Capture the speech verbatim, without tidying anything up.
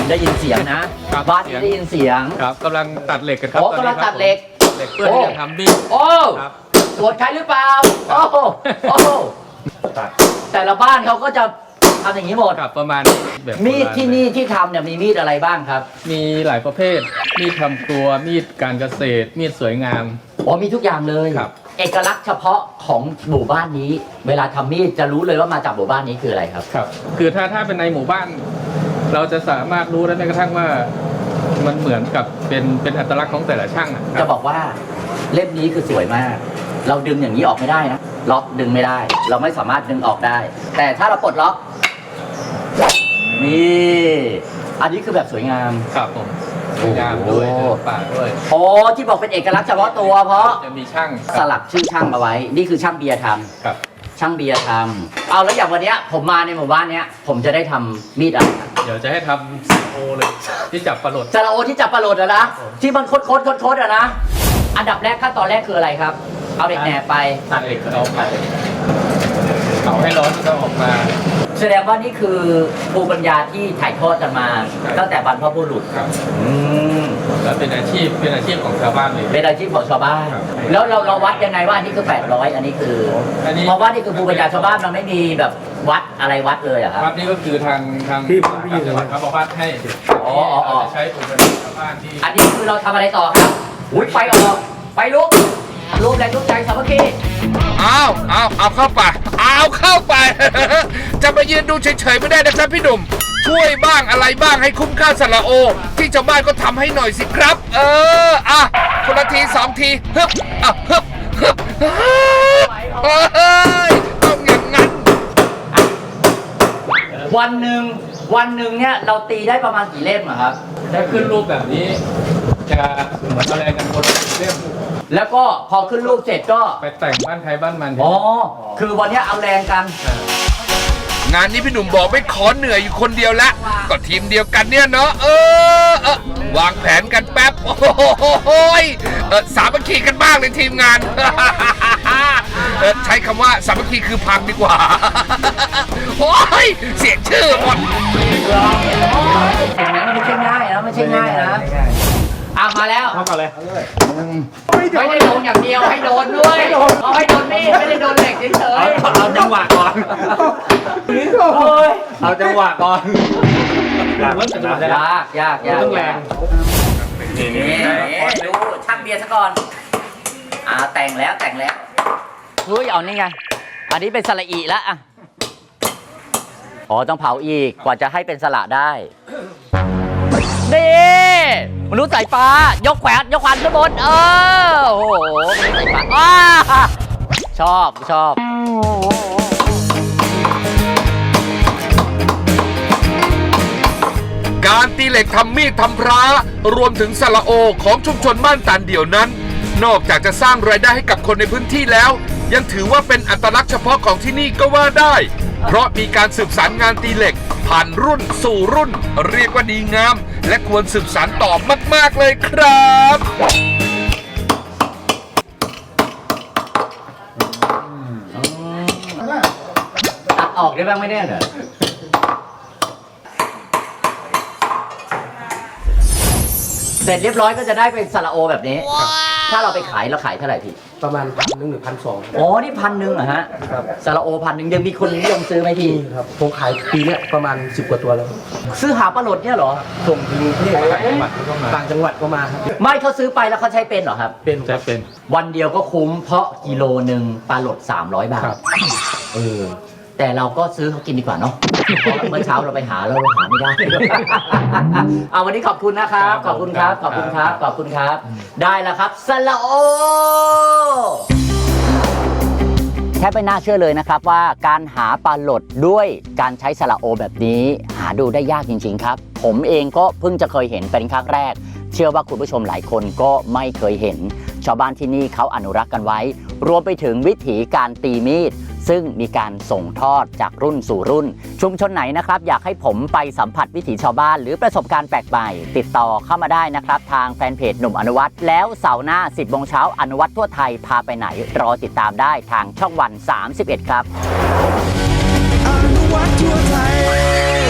ได้ยินเสียงนะบ้านนี้ได้ยินเสียงครับกำลังตัดเหล็กกันครับโอ้กำลังตัดเหล็กเหล็กเพื่อที่จะทำมีดโอ้ตรวจใครหรือเปล่าโอ้โอ้แต่ละบ้านเขาก็จะทำอย่างนี้หมดครับประมาณแบบมีดที่นี่ที่ทำเนี่ยมีมีดอะไรบ้างครับมีหลายประเภทมีดทำครัวมีดการเกษตรมีดสวยงามอ๋อมีทุกอย่างเลยครับเอกลักษณ์เฉพาะของหมู่บ้านนี้เวลาทำมีดจะรู้เลยว่ามาจากหมู่บ้านนี้คืออะไรครับครับคือถ้าถ้าเป็นในหมู่บ้านเราจะสามารถรู้ได้แม้กระทั่งว่ามันเหมือนกับเป็นเป็นอัตลักษณ์ของแต่ละช่างจะบอกว่าเล่มนี้คือสวยมากเราดึงอย่างนี้ออกไม่ได้นะล็อกดึงไม่ได้ เราไม่สามารถดึงออกได้แต่ถ้าเราปลดล็อกนี่อันนี้คือแบบสวยงามครับผมสวยงามด้วยป่าด้วยโอ้ที่บอกเป็นเอกลักษณ์เฉพาะตัวเพราะจะมีช่างสลักชื่อช่างเอาไว้นี่คือช่างเบียร์ทำครับช่างเบียร์ทำเอาแล้วอย่างวันนี้ผมมาในหมู่บ้านนี้ผมจะได้ทำมีดอะไรเดี๋ยวจะให้ทำโอเลยที่จับปลาโหลดซาลาโอที่จับปลาโหลดอะนะที่มันโคตรโคตรโคตรอะนะอันดับแรกขั้นตอนแรกคืออะไรครับเอาเด็กแหนบไปตัดเหล็กเอาไปเอาให้ร้อนก็ออกมาแสดงว่านี่คือภูมิปัญญาที่ถ่ายทอดกันมาตั้งแต่บรรพบุรุษครับอืมแล้วเป็นอาชีพเป็นอาชีพของชาวบ้านเลยเป็นอาชีพของชาวบ้านแล้วเราเราวัดยังไงว่าอันนี้คือแปดร้อยอันนี้คือเพราะว่านี่คือภูมิปัญญาชาวบ้านมันไม่มีแบบวัดอะไรวัดเลยอะครับวัดนี่ก็คือทางทางที่ที่จังหวัดเขาวัดให้อ๋ออ๋อใช้ภูมิปัญญาชาวบ้านที่อันนี้คือเราทำอะไรต่อครับอุ้ยไฟออกไฟลุกรูปแรงรูปใจสามัคคีเอาเอาเอาเข้าไปเอาเข้าไปจะมายืนดูเฉยๆไม่ได้นะครับพี่หนุ่มช่วยบ้างอะไรบ้างให้คุ้มค่าสละโอที่ชาวบ้านก็ทำให้หน่อยสิครับ เอออ่ะคนละทีสองทีฮึบอ่ะฮึบฮึบเฮ้ยต้องอย่างนั้นวันหนึ่งวันหนึ่งเนี่ยเราตีได้ประมาณกี่เล่มอะครับถ้าขึ้นรูปแบบนี้จะเหมือนอะไรกันคนเล่มแล้วก็พอขึ้นรูปเสร็จก็ไปแต่งบ้านใครบ้านมันอ๋อคือวันนี้เอาแรงกันงานนี้พี่หนุ่มบอกไม่ขอเหนื่อยอยู่คนเดียวละก็ทีมเดียวกันเนี่ยเนาะเออเออวางแผนกันแป๊บโอ้โหเออสามัคคีกันบ้างเลยทีมงานเออใช้คำว่าสามัคคีคือพังดีกว่าโอ้ยเสียชื่อหมดไม่ใช่ง่ายนะไม่ใช่ง่ายนะอ่ะมาแล้วเข้ากันเลยไม่ได้โดนอย่างเดียวให้โดนด้วยเอาให้โดนมีดไม่ได้โดนเหล็กเฉยๆเอาจังหวะก่อนเอาจังหวะก่อนยากยากยากต้องแรงนี่ดูช่างเบียร์ซะก่อนอ่าแต่งแล้วแต่งแล้วเฮ้ยเอานี่ไงอันนี้เป็นสละอีแล้วอ่ะอ๋อต้องเผาอีกกว่าจะให้เป็นสละได้นี่มนุษย์สายฟ้ายกแขวนยกขวานขึ้นบนเออโอ้โหมนุษย์สายฟ้าอ้าชอบชอบการตีเหล็กทำมีดทำพระรวมถึงสละโอของชุมชนบ้านตานเดี่ยวนั้นนอกจากจะสร้างรายได้ให้กับคนในพื้นที่แล้วยังถือว่าเป็นอัตลักษณ์เฉพาะของที่นี่ก็ว่าได้เพราะมีการสืบสานงานตีเหล็กผ่านรุ่นสู่รุ่นเรียกว่าดีงามและควรสืบสานต่อมากๆเลยครับตัดออกได้บ้างไม่ได้เหรอเสร็จเรียบร้อยก็จะได้เป็นสละโอแบบนี้ถ้าเราไปขายเราขายเท่าไหร่พี่ประมาณพันหนึ่งหรือพันสองอ๋อนี่พันหนึ่งเหรอฮะสละโอพันหนึ่งยังมีคนนิยมซื้อไหมพี่ครับผมขายปีนี้ประมาณสิบกว่าตัวแล้วซื้อหาปลาโหลดเนี่ยเหรอส่งถึงกรุงเทพต่างจังหวัดก็มาต่างจังหวัดก็มาครับไม่เขาซื้อไปแล้วเขาใช้เป็นเหรอครับเป็นใช้เป็นวันเดียวก็คุ้มเพราะกิโลหนึ่งปลาโหลดสามร้อยบาทเออแต่เราก็ซื้อเขากินดีกว่าเนาะเพราะเมื่อเช้าเราไปหาเราหาไม่ได้เอาวันนี้ขอบคุณนะครับขอบคุณครับขอบคุณครับขอบคุณครับได้แล้วครับสละโอแค่ไม่น่าเชื่อเลยนะครับว่าการหาปลาโหลดด้วยการใช้สละโอแบบนี้หาดูได้ยากจริงๆครับผมเองก็เพิ่งจะเคยเห็นเป็นครั้งแรกเชื่อว่าคุณผู้ชมหลายคนก็ไม่เคยเห็นชาวบ้านที่นี่เขาอนุรักษ์กันไว้รวมไปถึงวิถีการตีมีดซึ่งมีการส่งทอดจากรุ่นสู่รุ่นชุมชนไหนนะครับอยากให้ผมไปสัมผัสวิถีชาวบ้านหรือประสบการณ์แปลกใหม่ติดต่อเข้ามาได้นะครับทางแฟนเพจหนุ่มอนุวัฒน์แล้วเสาร์หน้า สิบโมงเช้าอนุวัฒน์ทั่วไทยพาไปไหนรอติดตามได้ทางช่องวันสามสิบเอ็ดครับอนุวัฒน์ทั่วไทย